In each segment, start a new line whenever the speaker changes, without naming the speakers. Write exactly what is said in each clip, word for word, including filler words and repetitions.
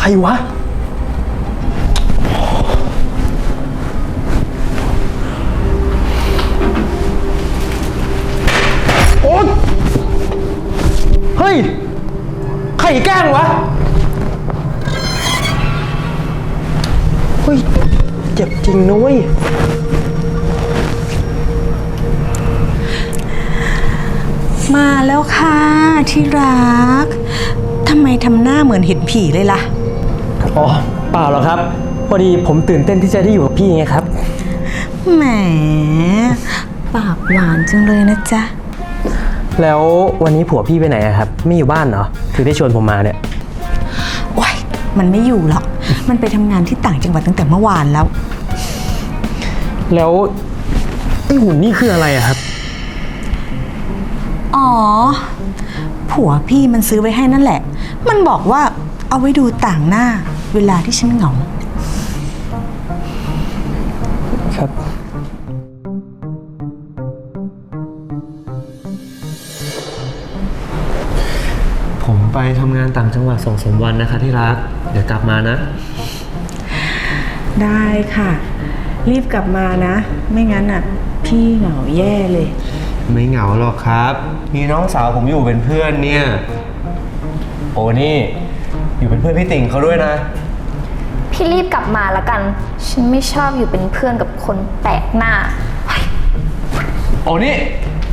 วะโอ๊ยเฮ้ยใครแกล้งวะเฮ้ยเจ็บจริงนะเว้ย
มาแล้วค่ะที่รักทำไมทำหน้าเหมือนเห็นผีเลยล่ะ
อ๋อเปล่าหรอกครับพอดีผมตื่นเต้นที่จะได้อยู่กับพี่ไงครับ
แหมปากหวานจังเลยนะจ๊ะ
แล้ววันนี้ผัวพี่ไปไหนครับไม่อยู่บ้านเหรอถึงได้ชวนผมมาเนี่ย
โอ๊ยมันไม่อยู่หรอกมันไปทำงานที่ต่างจังหวัดตั้งแต่เมื่อวานแล้ว
แล้วไอ้หุ่นนี่คืออะไรอะครับ
อ๋อผัวพี่มันซื้อไว้ให้นั่นแหละมันบอกว่าเอาไว้ดูต่างหน้าเวลาที่ฉันเหงา
ครับผมไปทำงานต่างจังหวัดสองสามวันนะคะที่รักเดี๋ยวกลับมานะ
ได้ค่ะรีบกลับมานะไม่งั้นอ่ะพี่เหงาแย่เลย
ไม่เหงาหรอกครับมีน้องสาวผมอยู่เป็นเพื่อนเนี่ยโอ้นี่อยู่เป็นเพื่อนพี่ติ่งเขาด้วยนะ
พี่รีบกลับมาละกันฉันไม่ชอบอยู่เป็นเพื่อนกับคนแปลกหน้า
โอ้นี่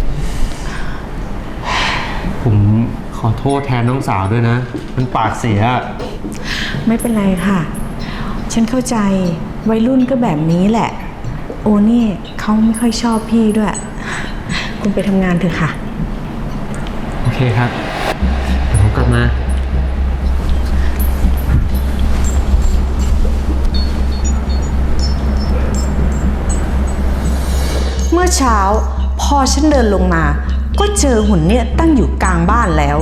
ผมขอโทษแทนน้องสาวด้วยนะมันปากเสีย
ไม่เป็นไรค่ะฉันเข้าใจวัยรุ่นก็แบบนี้แหละโอ้นี่เขาไม่ค่อยชอบพี่ด้วยคุณไปทำงานเถอะค่ะ
โอเคครับเดี๋ยวผมกลับมา
เมื่อเช้าพอฉันเดินลงมาก็เจอหุ่นเนี่ยตั้งอยู่กลางบ้านแล้ว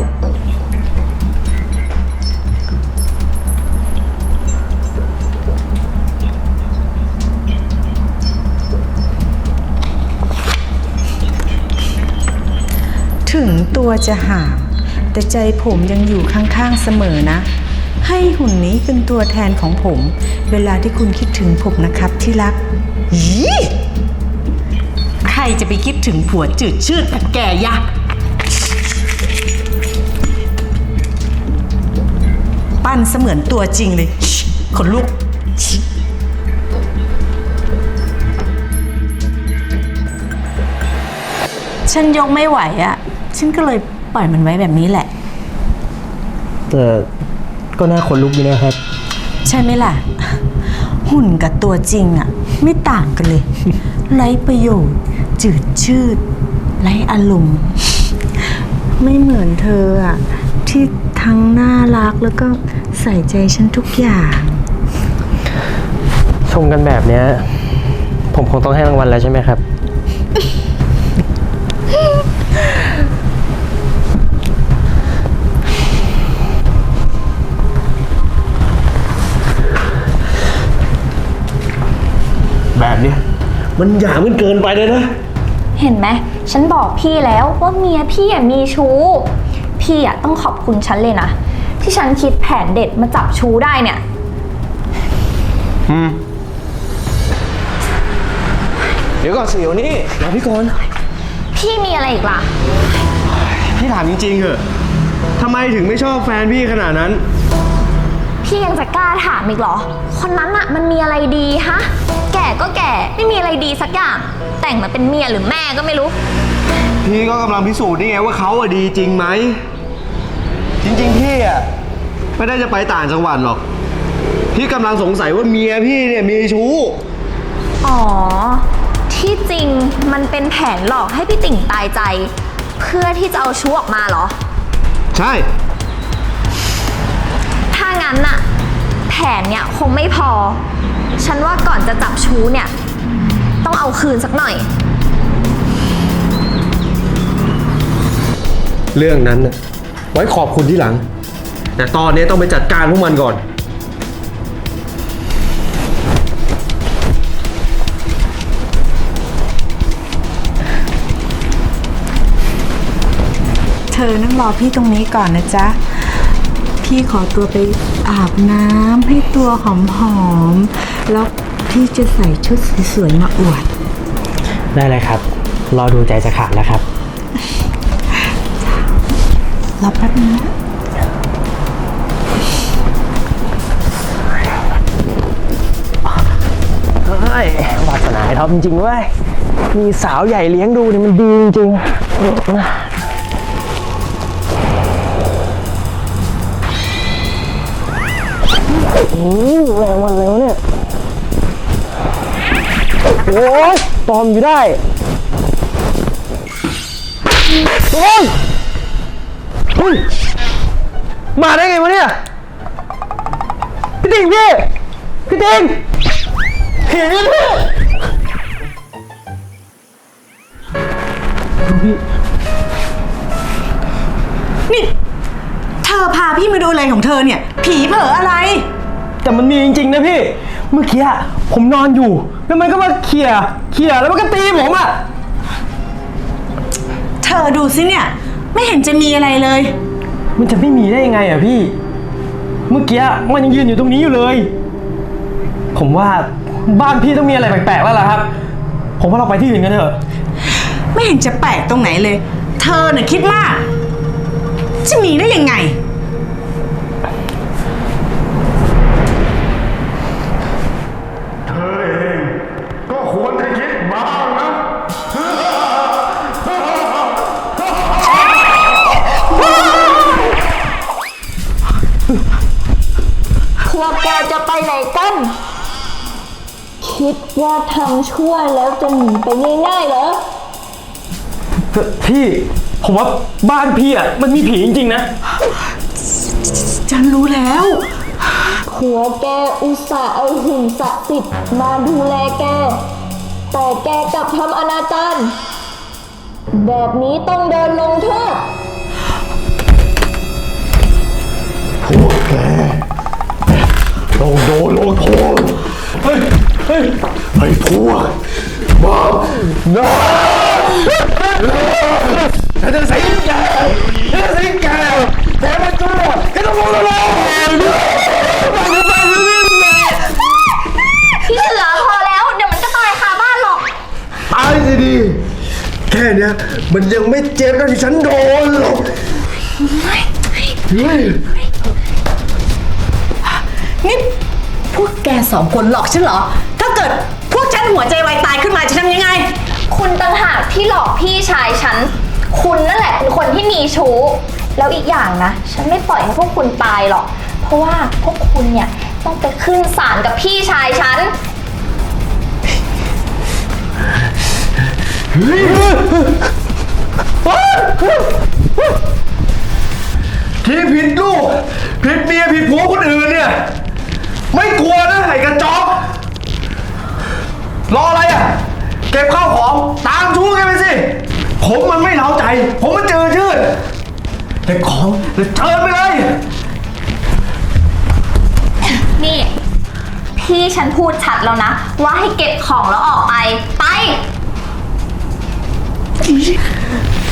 ถึงตัวจะห่างแต่ใจผมยังอยู่ข้างๆเสมอนะให้หุ่นนี้เป็นตัวแทนของผมเวลาที่คุณคิดถึงผมนะครับที่รักยีใครจะไปคิดถึงผัวจืดชืดแบบแกยะปั้นเสมือนตัวจริงเลยขนลุกฉันยกไม่ไหวอ่ะฉันก็เลยปล่อยมันไว้แบบนี้แหละ
แต่ก็น่าขนลุกดีนะครับ
ใช่ไหมล่ะหุ่นกับตัวจริงอ่ะไม่ต่างกันเลยไร้ประโยชน์จืดชืดไร้อารมณ์ไม่เหมือนเธออ่ะที่ทั้งน่ารักแล้วก็ใส่ใจฉันทุกอย่าง
ชมกันแบบเนี้ยผมคงต้องให้รางวัลแล้วใช่ไหมครับแบบเนี้ยมันหยามมันเกินไปเลยนะ
เห็นไหมฉันบอกพี่แล้วว่าเมียพี่อ่ะมีชู้พี่อ่ะต้องขอบคุณฉันเลยนะที่ฉันคิดแผนเด็ดมาจับชู้ได้เนี่ย
อืมเดี๋ยวก่อนสิเดี๋ยวนี้รอพี่ก่อน
พี่มีอะไรอีกล่ะ
พี่ถามจริงๆเหอะทำไมถึงไม่ชอบแฟนพี่ขนาดนั้น
พี่ยังจะกล้าถามอีกเหรอคนนั้นอะมันมีอะไรดีฮะแก่ก็แก่ไม่มีอะไรดีสักอย่างแต่งมาเป็นเมียหรือแม่ก็ไม่รู้
พี่ก็กำลังพิสูจน์นี่ไงว่าเขาอะดีจริงไหมจริงๆพี่อะไม่ได้จะไปต่างจังหวัดหรอกพี่กำลังสงสัยว่าเมียพี่เนี่ยมีชู้
อ๋อที่จริงมันเป็นแผนหลอกให้พี่ติ่งตายใจเพื่อที่จะเอาชู้ออกมาเหรอ
ใช่
ถ้างั้นน่ะแผนเนี่ยคงไม่พอฉันว่าก่อนจะจับชู้เนี่ยต้องเอาคืนสักหน่อย
เรื่องนั้นน่ะไว้ขอบคุณที่หลังแต่ตอนนี้ต้องไปจัดการพวกมันก่อน
เธอนั่งรอพี่ตรงนี้ก่อนนะจ๊ะพี่ขอตัวไปอาบน้ำให้ตัวหอมๆ แล้วพี่จะใส่ชุดสวยๆมาอวด
ได้เลยครับ รอดูใจจะขาดแล้วครับ
รอแป๊บนึงนะ
เฮ้ยวาสนาไอ้ท็อปจริงๆเว้ย มีสาวใหญ่เลี้ยงดูเนี่ยมันดีจริงๆโอ้ยแรงวันแล้วเนี่ย โอ้ยตอมอยู่ได้โอ้ยเฮ้ยมาได้ไงวะเนี่ย พี่ติงพี่ พี่ติงผีพี่
นี่ เธอพาพี่มาดูอะไรของเธอเนี่ย ผีเผลออะไร
แต่มันมีจริงๆนะพี่ เมื่อกี้อะผมนอนอยู่ แล้วมันก็มาเขี่ยเขี่ยแล้วมันก็ตีผมอ่ะ
เธอดูสิเนี่ย ไม่เห็นจะมีอะไรเลย
มันจะไม่มีได้ยังไงอ่ะพี่ เมื่อกี้มันยังยืนอยู่ตรงนี้อยู่เลย ผมว่าบ้านพี่ต้องมีอะไรแปลกๆแล้วล่ะครับ ผมว่าเราไปที่อื่นกันเถอะ
ไม่เห็นจะแปลกตรงไหนเลย เธอน่ะคิดมาก จะมีได้ยังไง
เธอเองก็ควรจะคิดบ้างนะ
พวกแกจะไปไหนกัน คิดว่าทำชั่วแล้วจะหนีไปง่ายๆเหรอ
พี่ ผมว่าบ้านพี่อ่ะมันมีผีจริงๆนะ
ฉันรู้แล้ว
ผัวแกอุตส่าห์เอาหุ่นศักดิ์สิทธิ์มาดูแลแก แต่แกกลับทำอนาจารแบบนี้ต้องโดนลงโทษ
พวกแกต้องโดนลงโทษเฮ้ยเฮ้ยไอ้พวกบ้าน้าฉันจะสิงแกฉันจะสิงแกแกมันชั่วแกต้องโดนลงโทษ
พี่เสือพอแล้ว เดี๋ยวมันก็ตายคาบ้านหรอก
ตายสิดีแค่เนี้ยมันยังไม่เจ็บเท่าที่ฉันโดนหรอกเฮ้ย
นี่พวกแกสองคนหลอกฉันเหรอ ถ้าเกิดพวกฉันหัวใจวายตายขึ้นมาจะทำยังไง
คุณต่างหากที่หลอกพี่ชายฉัน คุณนั่นแหละเป็นคนที่มีชู้ แล้วอีกอย่างนะ ฉันไม่ปล่อยให้พวกคุณตายหรอก เพราะว่าพวกคุณเนี่ยต้องไปขึ้นศาลกับพี่ชายฉัน
ที่ผิดลูกผิดเมียผิดผัวคนอื่นเนี่ย ไม่กลัวนะไอ้กระจอกรออะไรอ่ะ เก็บข้าวของตามชู้แกไปสิ ผมมันไม่เล้าใจ ผมมันเจอชื่อเก็บของแล้วเชิญไปเลย
นี่ พี่ฉันพูดชัดแล้วนะ ว่าให้เก็บของแล้วออกไป ไป